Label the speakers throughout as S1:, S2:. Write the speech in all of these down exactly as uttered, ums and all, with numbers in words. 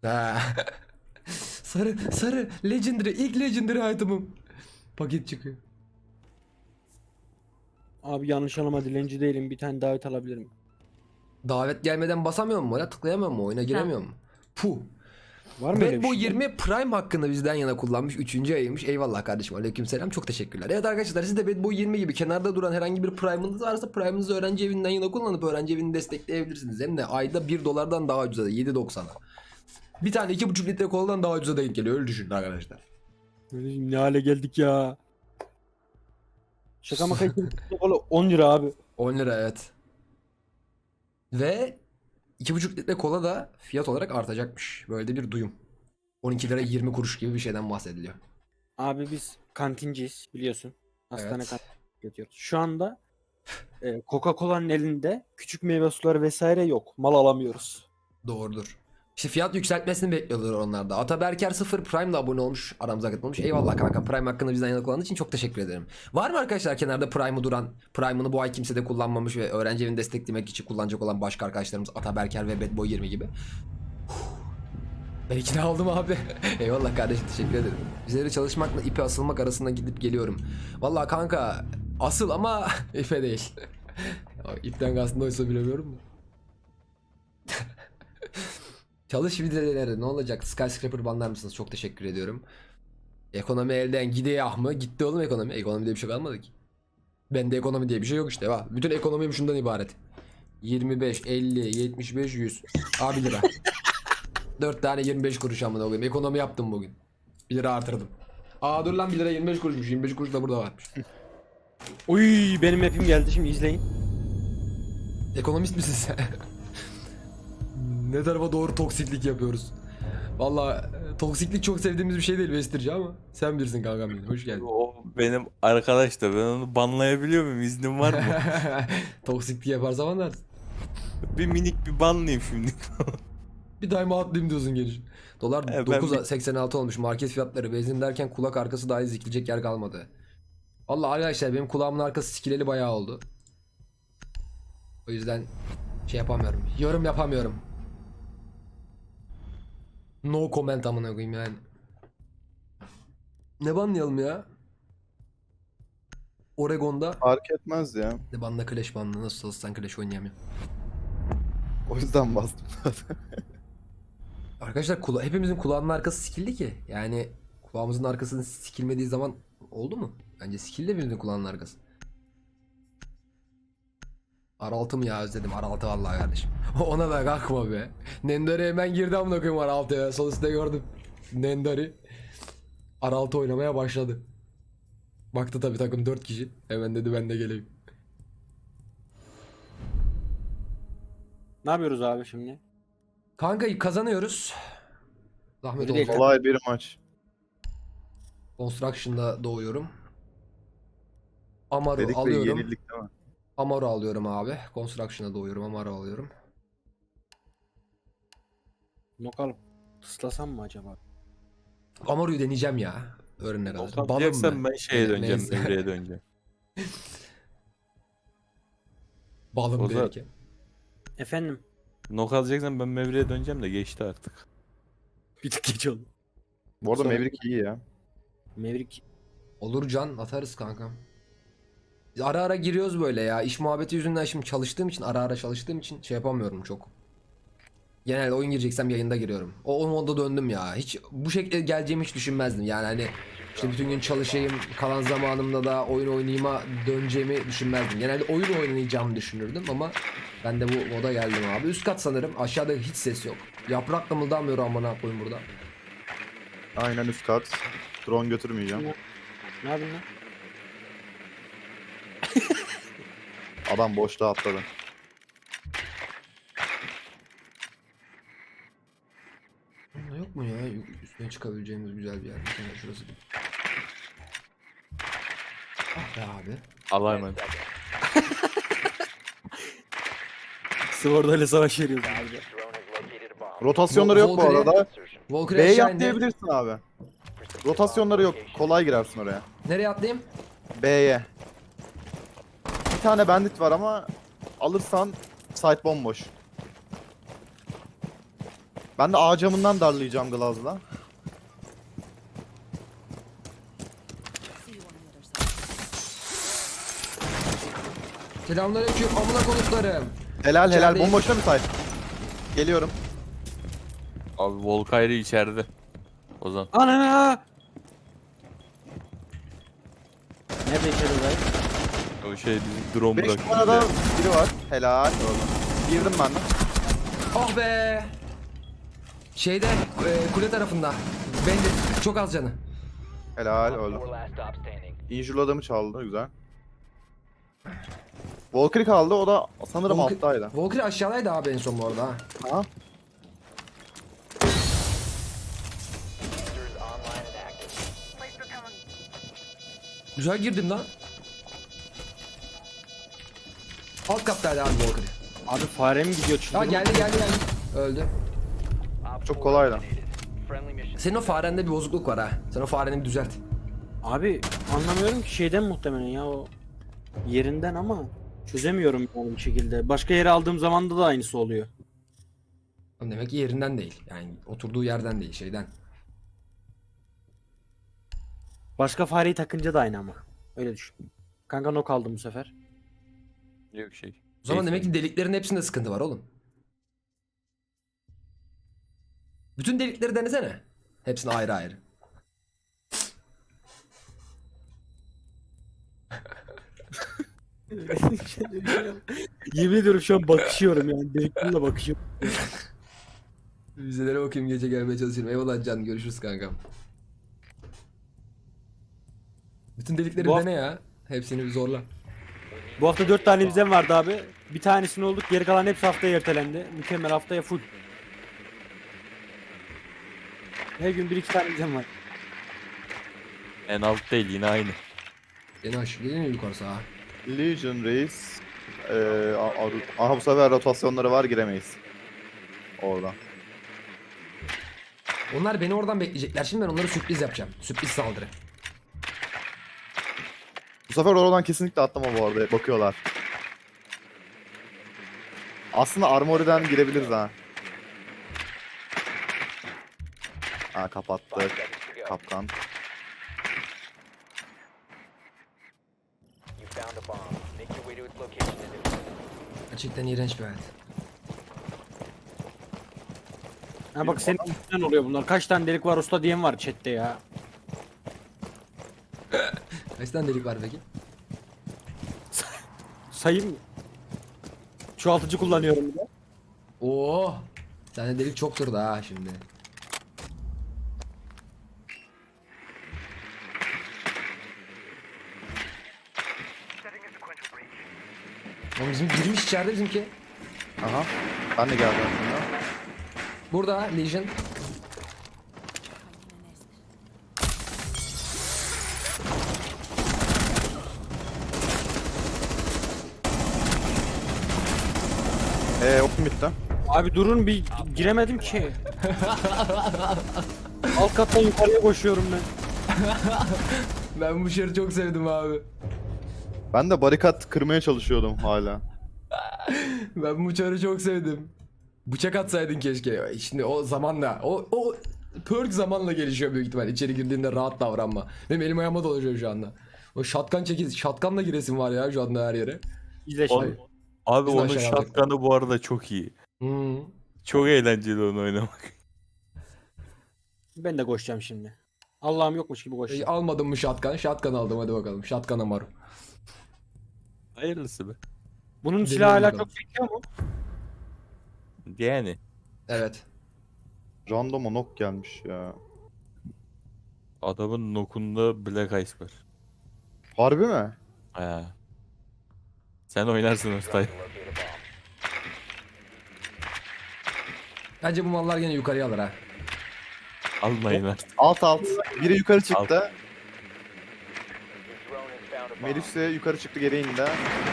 S1: Ha. Sarı sarı legendary ilk legendary item'ım. Paket çıkıyor.
S2: Abi yanlış anlama, dilenci değilim. Bir tane davet alabilirim.
S1: Davet gelmeden basamıyor mu? Ya tıklayamıyor mu? Oyuna giremiyor mu? Puh.
S2: Var mı öyle
S1: Bad
S2: bir
S1: Boy
S2: şey?
S1: yirmi Prime hakkında bizden yana kullanmış. Üçüncü ayıymış. Eyvallah kardeşim. Aleykümselam. Çok teşekkürler. Evet arkadaşlar, siz de Bad Boy yirmi gibi kenarda duran herhangi bir Prime'ınız varsa Prime'ınızı öğrenci evinden yana kullanıp öğrenci evini destekleyebilirsiniz. Hem de ayda bir dolardan daha ucuza, yedi doksana. Bir tane iki buçuk litre koladan daha ucuza denk geliyor. Öyle düşünün arkadaşlar.
S2: Ne hale geldik ya. Şaka maka için on lira abi.
S1: on lira evet. Ve iki buçuk litre kola da fiyat olarak artacakmış. Böyle de bir duyum. on iki lira yirmi kuruş gibi bir şeyden bahsediliyor.
S2: Abi biz kantinciyiz biliyorsun. Hastane
S1: Evet.
S2: kantini yapıyoruz. Şu anda e, Coca-Cola'nın elinde küçük meyve suları vesaire yok. Mal alamıyoruz.
S1: Doğrudur. İşte fiyat yükseltmesini bekliyorlar onlar da. Ataberker sıfır Prime'la abone olmuş. Aramıza katılmış. Eyvallah kanka. Prime hakkında bizden yana kullandığı için çok teşekkür ederim. Var mı arkadaşlar kenarda Prime'ı duran, Prime'ını bu ay kimse de kullanmamış ve öğrenci evini desteklemek için kullanacak olan başka arkadaşlarımız Ataberker ve Bad Boy yirmi gibi? Ben ikna oldum abi. Eyvallah kardeşim, teşekkür ederim. Üzeri çalışmakla ipe asılmak arasında gidip geliyorum. Vallahi kanka asıl ama ipe değil. İpten kastında oysa bilemiyorum da. Çalış videoları ne olacak? Skyscraper banlar mısınız? Çok teşekkür ediyorum. Ekonomi elden gidiyor mı? Gitti oğlum ekonomi. Ekonomi diye bir şey kalmadı ki. Bende ekonomi diye bir şey yok işte. Bak. Bütün ekonomim şundan ibaret. yirmi beş, elli, yetmiş beş, yüz. Aa bir lira. dört tane yirmi beş kuruş amına koyayım. Ekonomi yaptım bugün. bir lira artırdım. Aa dur lan, bir lira yirmi beş kuruşmuş. yirmi beş kuruş da burada varmış.
S2: Uy benim map'im geldi, şimdi izleyin.
S1: Ekonomist misin sen? Ne tarafa doğru toksiklik yapıyoruz? Vallahi toksiklik çok sevdiğimiz bir şey değil Vestirci ama sen bilirsin kankam benim. Hoş geldin.
S3: O benim arkadaş da, ben onu banlayabiliyor muyum? İznim var mı?
S1: Toksiklik yaparsa anlarsın.
S3: Bir minik bir banlayayım şimdi.
S1: Bir daima atlayayım diyorsun geliş. Dolar
S3: E, ben
S1: dokuz seksen altı olmuş. Market fiyatları benzin derken kulak arkası dahi zikilecek yer kalmadı. Vallahi arkadaşlar benim kulağımın arkası sikileli bayağı oldu. O yüzden şey yapamıyorum. Yorum yapamıyorum. No comment amına koyayım yani. Ne banlayalım ya? Oregon'da
S4: Fark etmez ya.
S1: ne banla, Clash banla, nasıl olsa sen Clash oynayamıyorum.
S4: O yüzden bastım.
S1: Arkadaşlar kula hepimizin kulağının arkası sikildi ki. Yani kulağımızın arkasının sikilmediği zaman oldu mu? Bence sikildi hepimizin kulağının arkası. Araltı mı ya, özledim Araltı vallahi kardeşim. Ona da kalkma be. Nendari hemen girdi amına koyayım Araltı'ya. Sol üstte gördüm. Nendari Araltı oynamaya başladı. Baktı tabi takım dört kişi. Hemen dedi ben de geleyim.
S2: Ne yapıyoruz abi şimdi?
S1: Kanka kazanıyoruz. Zahmet
S2: Öyle değil.
S1: olsun.
S4: Kolay bir maç.
S1: Construction'da doğuyorum. Amaru
S4: Dedik ve
S1: alıyorum.
S4: yenildik değil mi?
S1: Amaru alıyorum abi. Construction'da doğuyorum. Amaru alıyorum.
S2: Nokalım. Tıslasam mı acaba?
S1: Amaru'yu deneyeceğim ya. Öğrenene kadar. Balım
S3: Kalacaksan
S1: mı?
S3: ben şeye
S1: Ne-
S3: döneceğim,
S1: neyse.
S3: Emre'ye döneceğim.
S1: Balım
S3: O zaman-
S1: belki.
S2: Efendim?
S3: Nok alacaksan ben Mevri'ye döneceğim de geçti artık.
S2: Bir tık geç oldu.
S4: Bu arada
S2: Sonra-
S4: Maverick iyi ya.
S2: Mevrik.
S1: Olur can, atarız kankam. Biz ara ara giriyoruz böyle ya. İş muhabbeti yüzünden şimdi çalıştığım için, ara ara çalıştığım için şey yapamıyorum çok. Genelde oyun gireceksem yayında giriyorum. O, o modda döndüm ya. Hiç bu şekilde geleceğimi hiç düşünmezdim. Yani hani işte bütün gün çalışayım, kalan zamanımda da oyun oynayayım'a döneceğimi düşünmezdim. Genelde oyun oynayacağımı düşünürdüm ama ben de bu moda geldim abi. Üst kat sanırım. Aşağıda hiç ses yok. Yaprak da mıldamıyor amına koyayım burada.
S4: Aynen üst kat. Drone götürmeyeceğim.
S2: Ne yapıyorsun lan?
S4: Adam boşluğa atladı.
S1: Bunda yok mu ya? Üstüne çıkabileceğimiz güzel bir yer. Bir tane şurası. Ah be abi.
S3: Allah'a emanet.
S2: Sword ile savaş veriyoruz abi.
S4: Rotasyonları yok bu
S1: Valkyrie-
S4: arada.
S1: Valkyrie
S4: B'ye
S1: aşağı indi.
S4: atlayabilirsin abi. Rotasyonları yok. Kolay girersin oraya.
S1: Nereye atlayayım?
S4: B'ye. Bir tane bandit var ama alırsan site bomboş. Ben de A camından darlayacağım Glaz'la.
S1: Selamünaleyküm amına konuklarım.
S4: Helal helal.
S1: İçerideyim.
S4: Bomboşta mı say? Geliyorum.
S3: Abi Volkayri içeride. Ozan.
S2: Ana! Nerede içeri dayı?
S3: O şey bizim drone
S4: beş
S3: bıraktı.
S4: numarada biri var. Helal. Girdim ben de.
S1: Ah be. Şeyde e, kule tarafında. Bende çok az canı.
S4: Helal öldü. Injur'lu adamı çaldı. Güzel. Valkyrie kaldı. O da sanırım
S1: Volk-
S4: alttaydı.
S1: Valkyrie aşağıdaydı abi en son bu arada ha.
S4: Aha.
S1: Güzel girdim lan. Alt kattaydı abi Valkyrie.
S2: Abi fare mi gidiyor
S1: Ha
S2: çıldırma?
S1: geldi geldi geldi. Öldü.
S4: Çok kolaydı.
S1: Senin o farende bir bozukluk var ha. Sen o fareni bir düzelt.
S2: Abi anlamıyorum ki şeyden muhtemelen ya o yerinden ama çözemiyorum yani bir şekilde. Başka yere aldığım zaman da aynısı oluyor.
S1: Oğlum demek ki yerinden değil. Yani oturduğu yerden değil, şeyden.
S2: Başka fareyi takınca da aynı ama. Öyle düşün. Kanka nok aldım bu sefer.
S3: Yok şey.
S1: O zaman
S3: Neyse.
S1: demek ki deliklerin hepsinde sıkıntı var oğlum. Bütün delikleri denesene. Hepsini ayrı ayrı.
S2: Yemin ediyorum şu an bakışıyorum yani. Deliklerle bakışıyorum.
S1: Vizelere bakayım, gece gelmeye çalışıyorum. Eyvallah Can, görüşürüz kankam. Bütün delikleri
S2: Bu
S1: dene ya. Hepsini bir zorla.
S2: Bu hafta dört tane vizem vardı abi. Bir tanesini olduk. Geri kalan hepsi haftaya ertelendi. Mükemmel, haftaya full. Her gün bir iki tane vizem var.
S3: En alt değil yine aynı.
S1: Beni aşağı gelin mi yukarı sağa?
S4: Legion Reis. Ee, a- a- aha bu sefer rotasyonları var, giremeyiz. Orada.
S1: Onlar beni oradan bekleyecekler. Şimdi ben onlara sürpriz yapacağım. Sürpriz saldırı.
S4: Bu sefer oradan kesinlikle atlama bu arada. Bakıyorlar. Aslında Armory'den girebiliriz ha. Ha kapattık. Kapkan.
S1: Gerçekten iğrenç bir hayat.
S2: Ha bak senin yüzünden oluyor bunlar. Kaç tane delik var usta diyen var chatte ya.
S1: Kaç tane delik var peki?
S2: Sayayım mı? Çoğaltıcı kullanıyorum bir de.
S1: Oo. Sende delik çoktur da ha şimdi. Oğlum bizim girmiş içeride bizimki.
S4: Aha. Ben de geldim aslında.
S1: Burada Legion.
S4: Eee okum bitti.
S2: Abi durun bir giremedim ki. Alt kattan yukarıya koşuyorum ben.
S1: Ben bu şeri çok sevdim abi.
S4: Ben de barikat kırmaya çalışıyordum hala.
S1: Ben bu çarı çok sevdim. Bıçak atsaydın keşke. Şimdi o zamanla, o o perk zamanla gelişiyor büyük ihtimal. İçeri girdiğinde rahat davranma. Benim elim ayağıma dolaşıyor şu anda. O shotgun çekiz, shotgunla giresim var ya şu anda her yere.
S2: İzle
S3: O-
S2: şimdi.
S3: Abi
S1: Biz de
S3: onun
S1: aşağıya aldık.
S3: shotgun'ı bu arada çok iyi.
S1: Hmm.
S3: Çok eğlenceli onu oynamak.
S2: Ben de koşacağım şimdi. Allah'ım yokmuş gibi
S1: E,
S2: koşacağım.
S1: almadım mı shotgun? Shotgun aldım, hadi bakalım. Shotgun amaru.
S3: Hayırlısı be.
S2: Bunun
S1: Deneyelim
S2: silahı hala
S1: bakalım.
S2: çok sekiyor mu?
S3: Yani
S4: Random
S1: Evet.
S4: Randoma nok gelmiş ya.
S3: adamın nokunda Black Ice var.
S4: Harbi mi?
S3: Ha. Sen oynarsın Ostay.
S1: Bence bu mallar gene yukarıya alır ha.
S3: Almayın artık.
S4: Alt alt. Biri yukarı çıktı. Melih de yukarı çıktı, geri indi.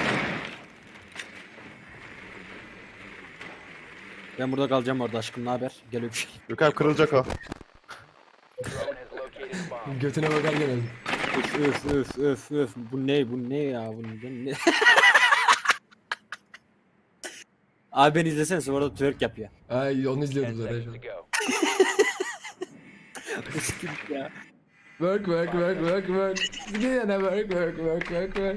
S2: Ben burada kalacağım orada aşkım, ne haber? Gel öpüşelim.
S4: Gökhan kırılacak o.
S1: Götüne bakar gene.
S2: Öf öf öf öf öf. Bu ne bu ne ya bu ne? Abi beni izlesene, orada twerk yapıyor.
S1: Ay onu izliyordum zaten şu an.
S2: ya.
S1: Work work work work work. Yine work work work work work.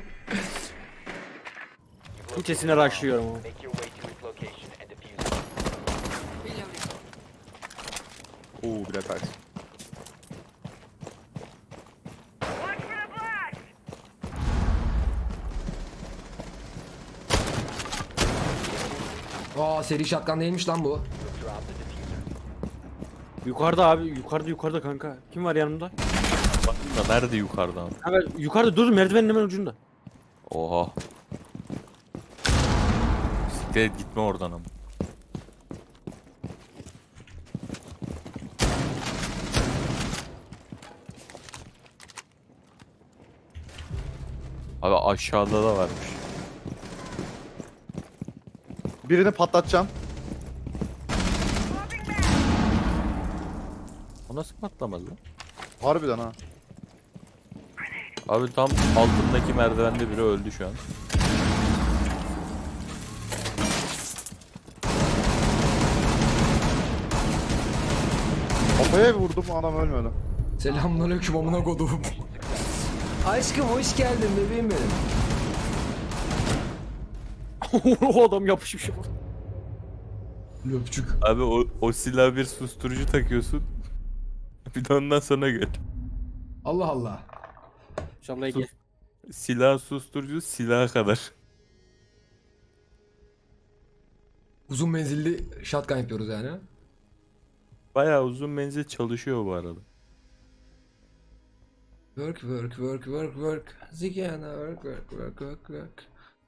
S2: İçesine rushlıyorum ama.
S5: Make your way to its location and defuse it.
S4: Oo bir dakika.
S1: Aa seri shotgun değilmiş lan bu.
S5: Drop the diffuser.
S2: Yukarıda abi, yukarıda yukarıda kanka. Kim var yanımda?
S3: Bakın da nerede yukarıdan?
S2: Kanka yukarıda dur, merdivenin hemen ucunda.
S3: Oha. Siktir gitme oradan ama. Abi aşağıda da varmış.
S4: Birini patlatacağım.
S3: O nasıl patlamaz lan?
S4: Harbiden ha.
S3: Abi tam altındaki merdivende biri öldü şu an.
S4: Kafaya bir vurdum adam ölmedi.
S1: Selamünaleyküm amına kodum. Aşkım hoş geldin bebeğim benim.
S2: O adam yapışmış.
S1: Löpçük.
S3: Abi o, o silah bir susturucu takıyorsun. Bir de ondan sonra gör.
S1: Allah Allah.
S2: İnşallah gel.
S3: Silah susturucu silaha kadar.
S1: Uzun menzilli shotgun yapıyoruz yani.
S3: Bayağı uzun menzil çalışıyor bu arada.
S1: Work work work work work. Zigana work work work work work.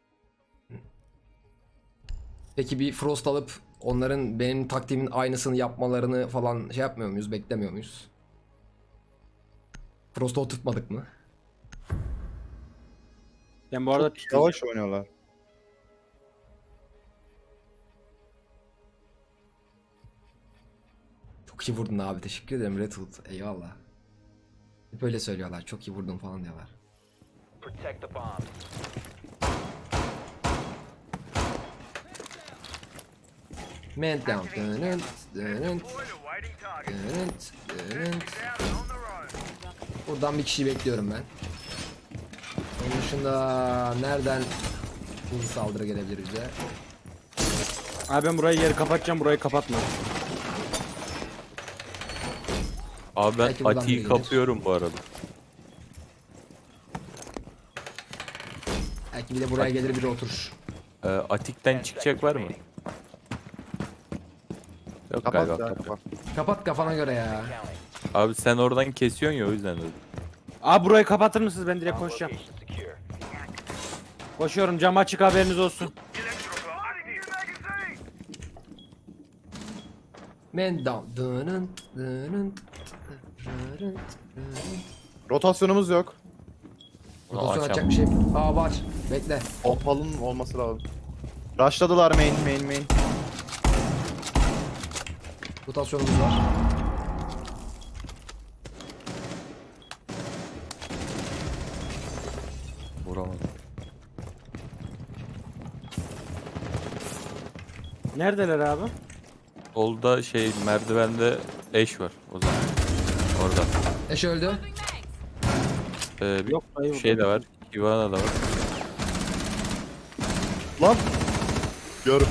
S1: Peki bir Frost alıp onların benim taktiğimin aynısını yapmalarını falan şey yapmıyor muyuz? Beklemiyor muyuz? Frost'u oturtmadık mı?
S2: Ben bu arada
S4: Yavaş oynuyorlar.
S1: Çok iyi vurdun abi, teşekkür ederim Redwood, eyvallah. Hep öyle söylüyorlar, çok iyi vurdun falan diyorlar.
S5: Protect the bombs.
S1: Man down. Dönünt, dönünt, dönünt, dönünt. Buradan bir kişiyi bekliyorum ben. Onun dışında nereden hızlı saldırı gelebilir bize?
S2: Abi ben burayı yeri kapatacağım, burayı kapatma.
S3: Abi ben
S1: Belki buradan biri
S3: Ati'yi
S1: gelir.
S3: kapıyorum bu arada.
S1: Belki bir de buraya gelir biri oturur.
S3: Ee, Atik'ten çıkacak var mı? Yok
S4: Kapat
S3: galiba.
S4: ya
S3: kapat.
S4: kapat.
S1: Kapat kafana göre ya.
S3: Abi sen oradan kesiyorsun ya o yüzden dedim.
S2: Abi burayı kapatır mısınız? Ben direkt koşacağım.
S5: Location secure.
S2: Koşuyorum, cam açık, haberiniz olsun.
S1: Man down. Dönünt, dönünt, dönünt, dönünt.
S4: Rotasyonumuz yok.
S3: Onu
S1: Rotasyon
S3: açamam.
S1: açacak bir şey. Aa var. Bekle.
S4: Opal'ın olması lazım. Rushladılar main main main.
S1: Rotasyonumuz var.
S3: Vuramadım.
S2: Neredeler abi?
S3: Solda şey merdivende eş var o zaman. Orada.
S1: Eş öldü.
S3: Ee, bir
S2: Yok, hayır,
S3: şey
S2: orada.
S3: de var. Ivana da var.
S4: Lan. Görme.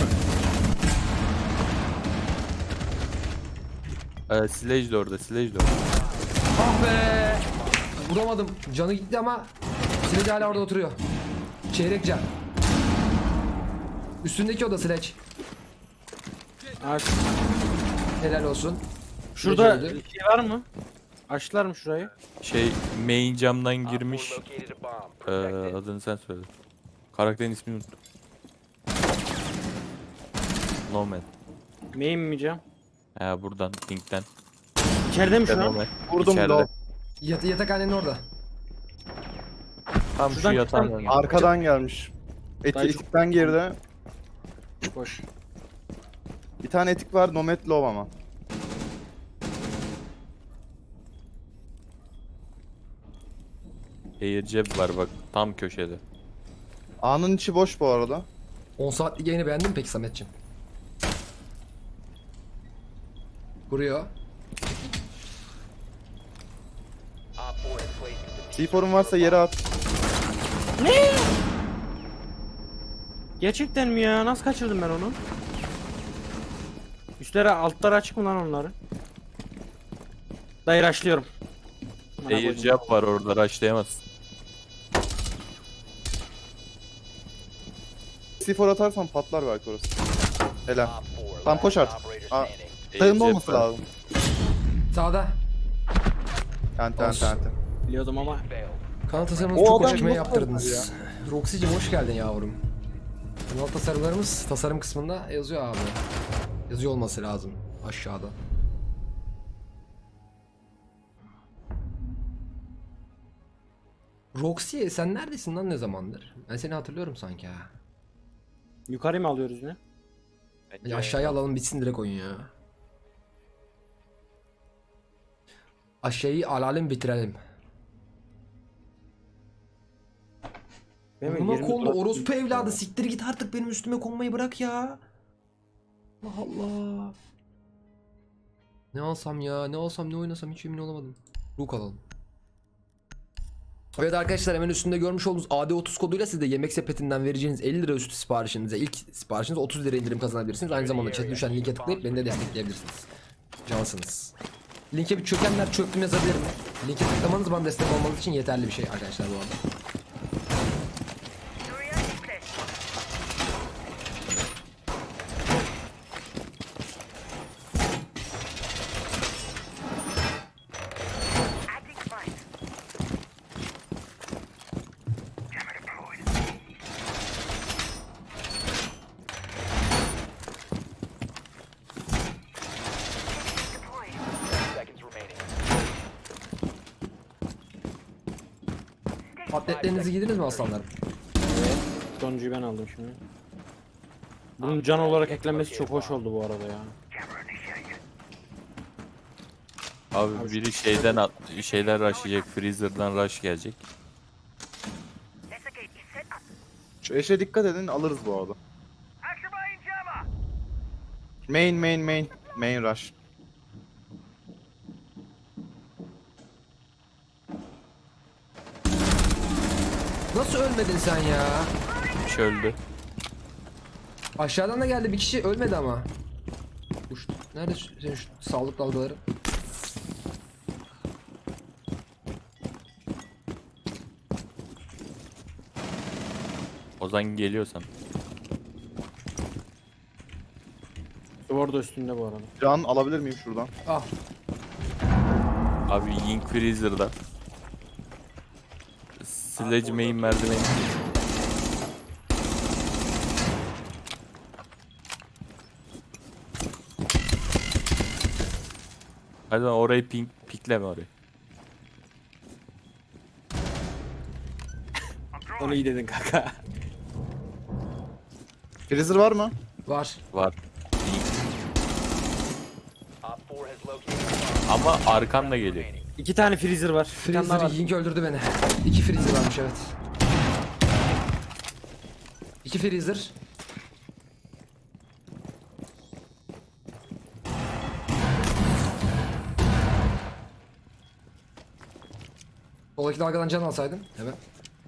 S3: Ee, Sledge de orada. Sledge de orada.
S1: Ah be! Vuramadım. Canı gitti ama Sledge hala orada oturuyor. Çeyrek can. Üstündeki o da Sledge.
S2: Abi,
S1: Helal olsun.
S2: şurada
S1: Sledge öldü.
S2: şey var mı? Açtılar mı şurayı?
S3: Şey main camdan
S5: Op four
S3: girmiş.
S5: located a bomb.
S3: Ee,
S5: Protect it.
S3: adını sen söyle. Karakterin ismini unuttum. Nomad.
S2: Main mi cam?
S3: Ha buradan Pink'ten.
S2: İçeride mi şu an?
S3: Nomad.
S4: Vurdum
S3: İçeride.
S4: da
S1: Yat yatakhanenin orada.
S3: Tam
S2: Şuradan
S3: şu yatağın
S2: çıkan-
S3: önünde.
S4: arkadan gelmiş. Eti,
S2: Dayı-
S4: etikten girdi.
S2: Koş.
S4: Bir tane etik var Nomad low ama.
S3: Air cep var bak tam köşede.
S4: A'nın içi boş bu arada.
S1: on saatlik yayını beğendin mi peki Sametciğim? Vuruyor.
S5: Placing the
S4: C four'un varsa yere at.
S2: Gerçekten mi ya? Nasıl kaçırdım ben onu? Üstleri altları açık mı lan onları? Dayı rushlıyorum. Bana
S3: Air
S2: koydum.
S3: jab var orada, rushlayamazsın.
S4: C four atarsan patlar belki orası. Helal.
S5: Op four.
S4: Tamam, koş
S5: last
S4: artık.
S5: operator
S4: Aa.
S5: standing.
S3: Air
S4: Sağında
S3: jab
S4: olması
S3: var.
S4: lazım.
S1: Sağda.
S4: Ente ente
S1: Olsun.
S4: ente.
S2: Biliyordum ama.
S5: Failed.
S1: Kanal tasarımınızı
S4: O
S1: çok
S4: adam
S1: hoşuma
S4: nasıl
S1: yaptırdınız. Roxy'cim hoş geldin yavrum. Kanal tasarımlarımız tasarım kısmında yazıyor abi. Yazıyor olması lazım aşağıda. Roxy sen neredesin lan ne zamandır? Ben seni hatırlıyorum sanki ha.
S2: Yukarı mı alıyoruz ne?
S1: Ya aşağıya alalım bitsin direkt oyun ya. Aşağıyı alalım bitirelim.
S2: Benim
S1: Buna
S2: yirmi
S1: kondu
S2: dolar-
S1: orospu evladı siktir git artık benim üstüme konmayı bırak ya. Allah Allah. Ne alsam ya ne alsam ne oynasam hiç emin olamadım. Rook alalım. Evet arkadaşlar hemen üstünde görmüş olduğunuz A D otuz koduyla siz de yemek sepetinden vereceğiniz elli lira üstü siparişinize ilk siparişinize otuz lira indirim kazanabilirsiniz. Aynı zamanda chat'e düşen linke tıklayıp beni de destekleyebilirsiniz. Cansınız. Linke bir çökenler çöktüm yazabilirim. Linke tıklamanız bana destek olmanız için yeterli bir şey arkadaşlar bu arada.
S5: Seconds remaining.
S1: Atletlerinizi giydiniz mi aslanlarım?
S2: Sonuncuyu ben aldım şimdi. Bunun can olarak eklenmesi çok hoş oldu bu arada ya.
S3: Abi biri şeyden at, şeyler rushlayacak, freezer'dan rush gelecek.
S4: Şu eşe dikkat edin, alırız bu arada. Main main main. Main rush.
S1: Nasıl ölmedin sen ya?
S3: Üç öldü.
S1: Aşağıdan da geldi bir kişi ölmedi ama. Uç, nerede şu- senin şu sağlık dalgaları?
S3: Ozan geliyorsan.
S2: Duvar da üstünde bu arada.
S4: Can alabilir miyim şuradan?
S1: Ah
S3: Abi Ying freezer'da. Sledge main merdiveni. Hadi lan orayı pink, pikleme orayı.
S2: Onu iyi dedin kanka.
S4: Freezer var mı?
S1: var.
S3: Var. Ying.
S5: Op four has located.
S3: Ama arkan da geliyor.
S2: İki tane freezer var. Bir tane daha
S1: Freezer
S2: var.
S1: Yink öldürdü beni. İki freezer varmış evet. İki freezer. Soldaki dalgadan can alsaydın. Evet.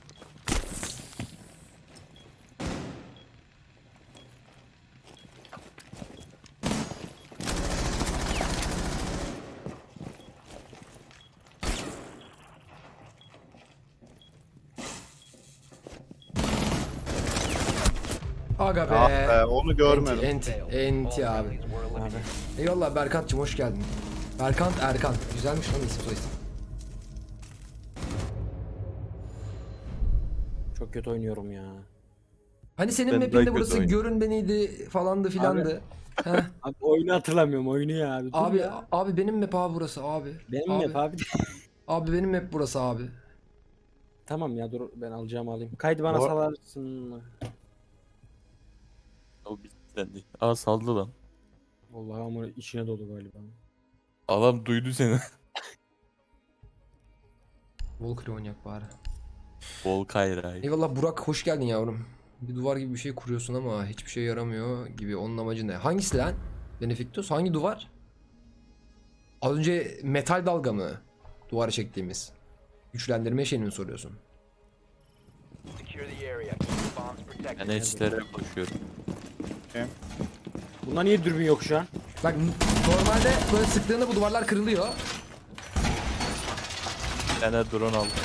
S1: Aga be.
S4: Ah be, onu görmedim.
S1: Enti, enti, enti
S5: All
S1: abi.
S5: friendlies were eliminated.
S1: Eyvallah Berkant'cım hoş geldin. Berkant Erkan. Güzelmiş lan isim soy isim.
S2: Çok kötü oynuyorum ya.
S1: Hani senin
S3: Ben
S1: map'inde
S3: daha
S1: burası
S3: kötü
S1: görün beniydi falandı filandı. Heh.
S2: Abi oyunu hatırlamıyorum oyunu ya abi. Dur
S1: Abi
S2: ya.
S1: abi benim map abi burası abi.
S2: Benim
S1: abi,
S2: mi abi?
S1: Abi benim map burası abi.
S2: Tamam ya dur ben alacağımı alayım. Kaydı bana
S4: Bu-
S2: salarsın mı?
S3: O bitti. Aa saldı lan.
S2: Vallahi ama içine dolu galiba.
S3: Adam duydu seni.
S1: Volker oynayak bari.
S3: Volkayra.
S1: Eyvallah Burak hoş geldin yavrum. Bir duvar gibi bir şey kuruyorsun ama hiçbir şey yaramıyor gibi. Onun amacı ne? Hangisi lan? Benefictus hangi duvar? Az önce metal dalga mı? Duvara çektiğimiz. Güçlendirme şeyini mi soruyorsun?
S5: Secure the area. Keep the bombs protected.
S3: Ben eşlere koşuyorum.
S2: Bunda niye dürbün yok şu an?
S1: Bak normalde böyle sıktığında bu duvarlar kırılıyor.
S3: Bir tane drone aldım.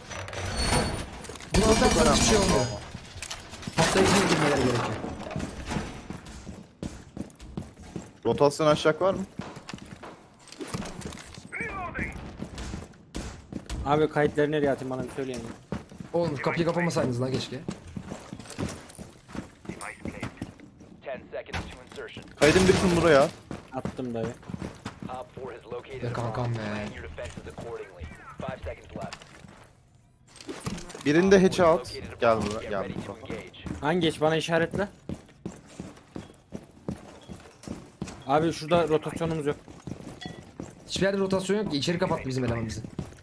S1: Bunu aldıktan sonra hiçbir şey olmuyor. Patlayıcı indirmeleri gerekiyor.
S4: Rotasyon aşağı var mı?
S2: Abi kayıtları nereye atayım bana bir söyleyin.
S1: Oğlum kapıyı kapamasaydınız lan keşke.
S5: Ten seconds to insertion.
S4: Kaydın bütün buraya.
S2: Attım dayı.
S5: Op four has located
S1: Be
S5: a
S1: kankam
S5: bomb.
S1: be.
S5: Plan your defenses accordingly. Five seconds left.
S4: Birinde hatch'e at.
S5: Located a
S4: Gel
S5: bomb.
S4: buraya.
S5: Get
S4: Gel
S5: ready to
S4: buraya.
S5: engage.
S2: Hangi geç bana işaretle. Abi şurada rotasyonumuz yok.
S1: Hiçbir yerde rotasyon yok ki. İçeri kapattı bizim eleman bizi.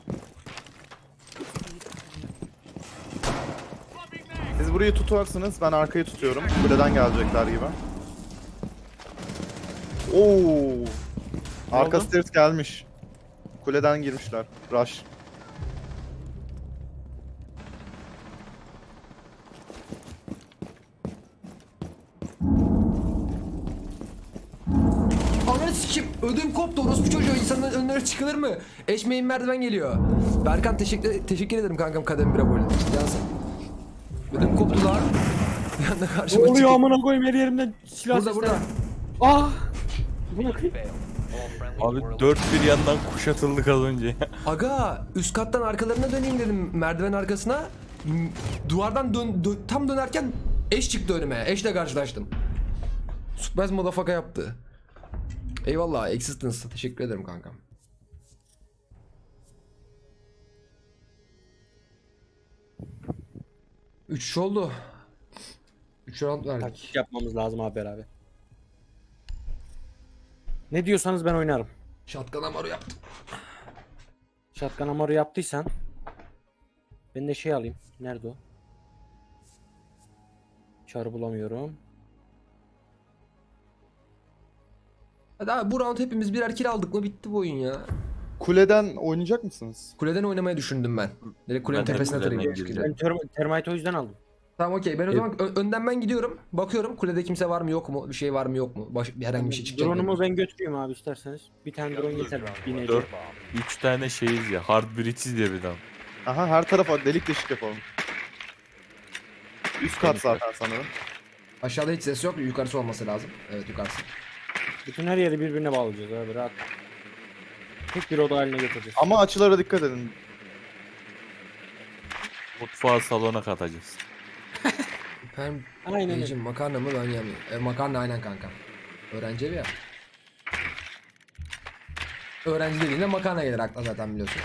S4: Siz burayı tutarsınız. Ben arkayı tutuyorum. Kuleden gelecekler gibi. Oo. Arka
S2: oldu?
S4: stairs gelmiş. Kuleden girmişler. Rush.
S1: Ananı sikeyim. Ödüm koptu. Orospu çocuğu. İnsanın önüne çıkılır mı? Eşmeğin merdiven geliyor. Berkan teşekkür, teşekkür ederim kankam kadem bire böyle. Cansın. Ödüm koptu lan. Bir anda
S2: Ne
S1: karşıma
S2: oluyor
S1: çıkıyor.
S2: amına koyayım her yerimden silah
S1: Burada
S2: sesleri.
S1: burada.
S2: Ah! Bu ne kıyım?
S5: Fail. All friendly
S3: Abi
S5: were
S3: dört bir yandan kuşatıldık az önce.
S1: Aga üst kattan arkalarına döneyim dedim merdiven arkasına. M- Duvardan dön, dö- tam dönerken eş çıktı önüme. Eşle karşılaştım. Surprise motherfucker yaptı. Eyvallah Existence. Teşekkür ederim kankam. Üç oldu. Üç round verdik.
S2: Taktik yapmamız lazım abi beraber. Ne diyorsanız ben oynarım.
S1: Shotgun amaru yaptım.
S2: Shotgun amaru yaptıysan ben de şey alayım. Nerede o? Çarı bulamıyorum.
S1: Hadi abi bu round hepimiz birer kill aldık mı bitti bu oyun ya.
S4: Kuleden oynayacak mısınız?
S1: Kuleden oynamayı düşündüm ben. Direkt kulenin
S3: Ben de
S1: tepesine
S3: kuleden
S1: tırayım.
S3: gireceğim.
S2: Ben term- termite o yüzden aldım.
S1: Tamam okey. Ben o zaman ö- önden ben gidiyorum. Bakıyorum kulede kimse var mı yok mu? Bir şey var mı yok mu? Baş- bir herhangi bir şey çıkacak mı?
S2: Drone'umu ben götüreyim abi isterseniz. Bir tane drone yeter. Binece.
S3: Dört, üç tane şeyiz ya. Hard British diye bir adam.
S4: Aha her tarafa delik deşik yapalım. Üst kat zaten sanırım.
S1: Aşağıda hiç ses yok. Yukarısı olması lazım. Evet yukarısı.
S2: Bütün her yeri birbirine bağlayacağız abi rahat. Tek bir oda haline getireceğiz.
S4: Ama açılara dikkat edin.
S3: Mutfağı salona katacağız.
S1: Ben
S2: Aynen öyle.
S1: Beyciğim, makarna mı ben yemiyorum. E, makarna aynen kanka. Öğrenci evi ya. Öğrenci dediğinde makarna gelir akla zaten biliyorsun.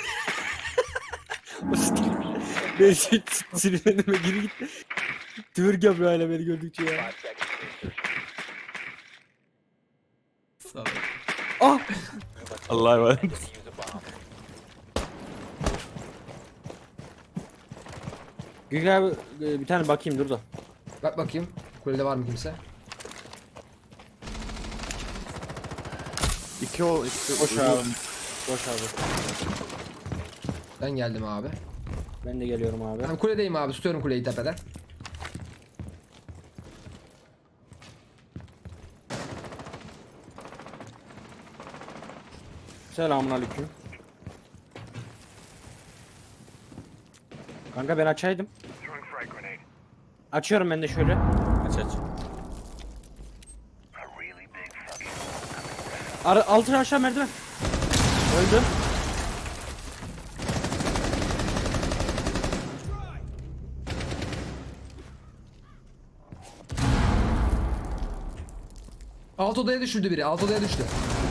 S2: Ben şey sinirlenime geri gitti. Twerk yapıyor hala beni gördükçe ya.
S5: five seconds to insertion.
S2: Ah!
S3: Allah'a emanet.
S5: Use a bomb.
S2: Gülgün abi e, bir tane bakayım dur da.
S1: Bak bakayım. Kulede var mı kimse?
S4: İki o iki
S2: Boş abi. Boş abi.
S1: Ben geldim abi.
S2: Ben de geliyorum abi.
S1: Ben kuledeyim abi. Tutuyorum kuleyi tepeden.
S2: Selamun aleyküm. Kanka ben açaydım. Açıyorum ben de şöyle.
S3: Aç aç.
S2: Ara, altına aşağı merdiven. Öldü.
S1: Alt odaya düşürdü biri. Alt odaya düştü.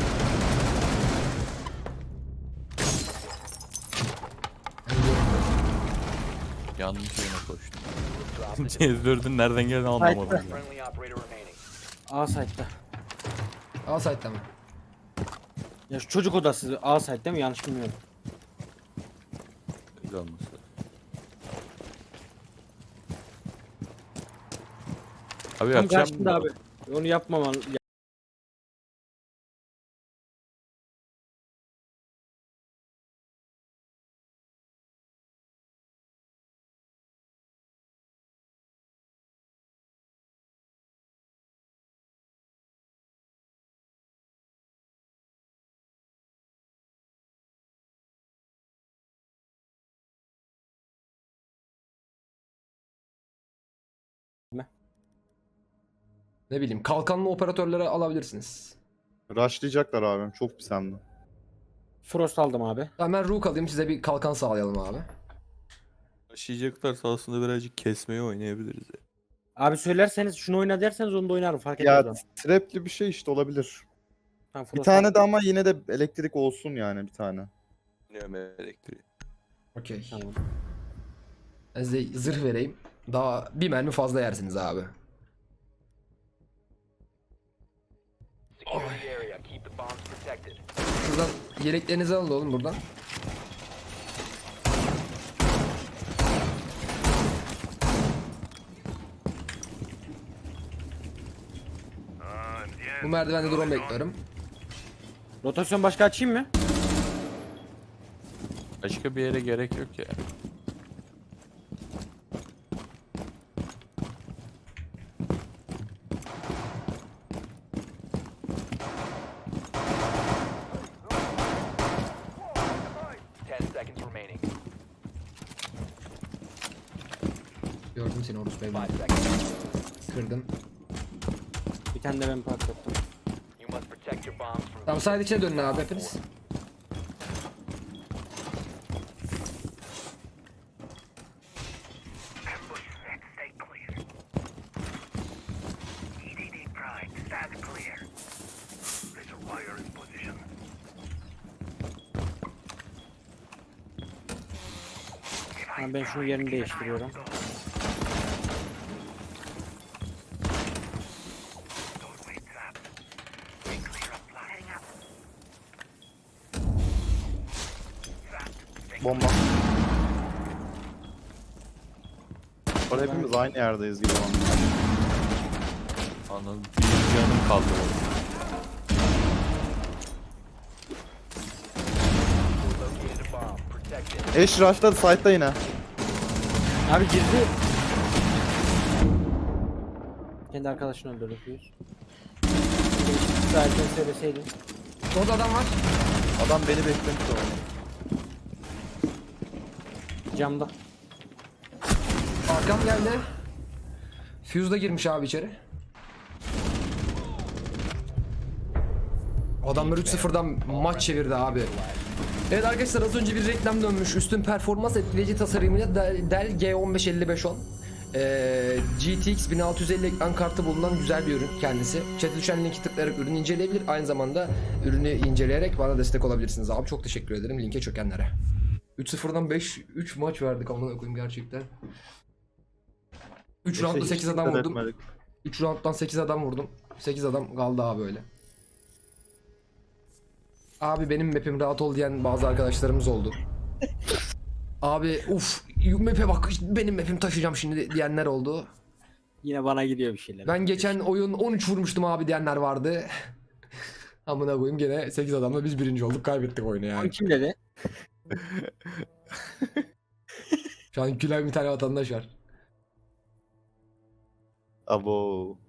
S3: Yanlış yerine koştum. C dördün nereden geldiğini anlamadım. ya.
S5: Friendly operator remaining.
S2: A site'da.
S1: Al site'da mı?
S2: Ya şu çocuk odası A site değil mi? Yanlış bilmiyorum.
S3: Öyle olması. Abi
S2: Tam
S3: akşam
S2: karşında abi. Onu yapmaman
S1: Ne bileyim kalkanlı operatörleri alabilirsiniz.
S4: Rushlayacaklar abim. Çok pis hem de.
S2: Frost aldım abi.
S1: Tamam ben Rook alayım size bir kalkan sağlayalım abi.
S3: Taşıyacaklar aslında birazcık kesmeyi oynayabiliriz ya.
S2: Abi söylerseniz şunu oyna derseniz onu da oynarım fark etmez.
S4: Ya
S2: ama.
S4: trapli bir şey işte olabilir.
S2: Tamam,
S4: Bir
S2: Frost
S4: tane
S2: aldım.
S4: de ama yine de elektrik olsun yani bir tane.
S3: Bilmiyorum elektriği.
S1: Okey.
S2: Tamam.
S1: Ben size zırh vereyim. Daha bir mermi fazla yersiniz abi.
S5: Secure the area. Keep the bombs protected.
S1: Şuradan yeleklerinizi alın oğlum buradan. Bu merdivende drone bekliyorum.
S2: Rotasyon başka açayım mı?
S3: Başka bir yere gerek yok ya.
S5: Ten seconds remaining.
S1: Gördüm seni Horus Bey.
S5: Five seconds.
S1: Kırdım.
S2: Bir tane de ben patlattım.
S5: You must protect your bombs from.
S1: Tamam side içine dönün abi hepiniz.
S2: Tamam, ben şunu yerini değiştiriyorum.
S4: Bomba. Orada hepimiz aynı yerdeyiz gibi oldu.
S3: Anladım. Bir canım kaldı.
S5: Located a bomb. Protect it.
S4: Eş rushladı site'da yine.
S2: Abi girdi. Kendi arkadaşını öldürdü Fuse. Zaten söyleseydin.
S1: Orada adam var.
S4: Adam beni beklemiş orada.
S2: Camda.
S1: Arkam geldi. Fuse da girmiş abi içeri. Adamlar üç sıfırdan maç çevirdi abi. Evet arkadaşlar az önce bir reklam dönmüş. Üstün performans etkileyici tasarımıyla Dell Dell G on beş elli beş on. Ee, G T X bin altı yüz elli ekran kartı bulunan güzel bir ürün kendisi. Chat'e düşen linki tıklayarak ürünü inceleyebilir. Aynı zamanda ürünü inceleyerek bana destek olabilirsiniz abi. Çok teşekkür ederim linke çökenlere. üç sıfırdan beş üç maç verdik amına koyayım gerçekten. üç roundda sekiz adam
S4: Dikkat
S1: vurdum.
S4: etmedik.
S1: üç rounddan sekiz adam vurdum. sekiz adam kaldı abi öyle. Abi benim map'im rahat ol diyen bazı arkadaşlarımız oldu. Abi uf map'e bak benim map'im taşıyacağım şimdi diyenler oldu.
S2: Yine bana gidiyor bir şeyler.
S1: Ben geçen oyun on üç vurmuştum abi diyenler vardı. Amına koyayım gene sekiz adamla biz birinci olduk kaybettik oyunu
S2: Onu
S1: yani.
S2: kim dedi?
S1: Şu an gülen bir tane vatandaş var.
S4: Abo.